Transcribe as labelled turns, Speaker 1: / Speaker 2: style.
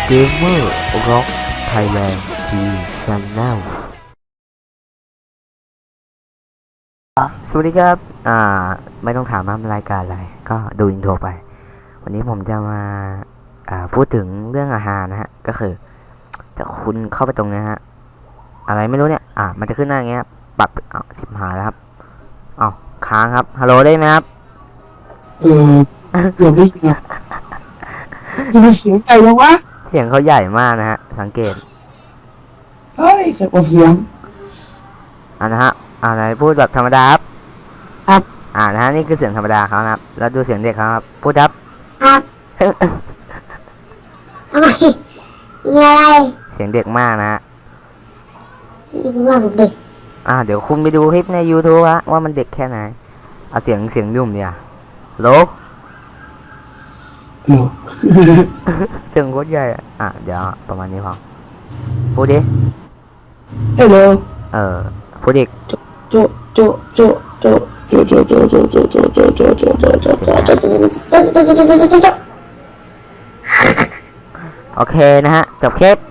Speaker 1: เกมเมอร์ร็อกไทยแลนด์ทีชันแนลสวัสดีครับไม่ต้องถามว่ารายการอะไรก็ดูอินโทรไปวันนี้ผมจะมาพูดถึงเรื่องอาหารนะฮะก็คือจะคุณเข้าไปตรงนี้ฮะอะไรไม่รู้เนี่ยมันจะขึ้นหน้าอย่างเงี้ยปรับชิบหายแล้วครับค้างครับฮัลโหลได้ไหมครับ
Speaker 2: เออเกือบได้ยินอะจะมีเสียงใหญ่ยังวะ
Speaker 1: เสียงเขาใหญ่มากนะฮะสังเกต
Speaker 2: เฮ้ยใครบอกเสียง
Speaker 1: นะฮะไหนพูดแบบธรรมดาครับ
Speaker 2: ครับ
Speaker 1: นะฮะนี่คือเสียงธรรมดาเขานะครับแล้วดูเสียงเด็กเขาครับพูดครับ
Speaker 3: ครับทำไมมีอะไร
Speaker 1: เสียงเด็กมากนะฮะ
Speaker 3: นี่คือว่าผมเด็ก
Speaker 1: เดี๋ยวคุณไปดูคลิปใน YouTube ฮะว่ามันเด็กแค่ไหนเอาเสียงยุ่มเนี่ยโล
Speaker 2: โหล
Speaker 1: เสียงโคตรใหญ่เดี๋ยวประมาณนี้พอพูดดิ
Speaker 2: ฮัลโหล
Speaker 1: พูดอีก
Speaker 2: โจโจโจโจโจโจโจโจโจโจโจโจโจโจโจโจ
Speaker 1: โอเคนะฮะจบคลิป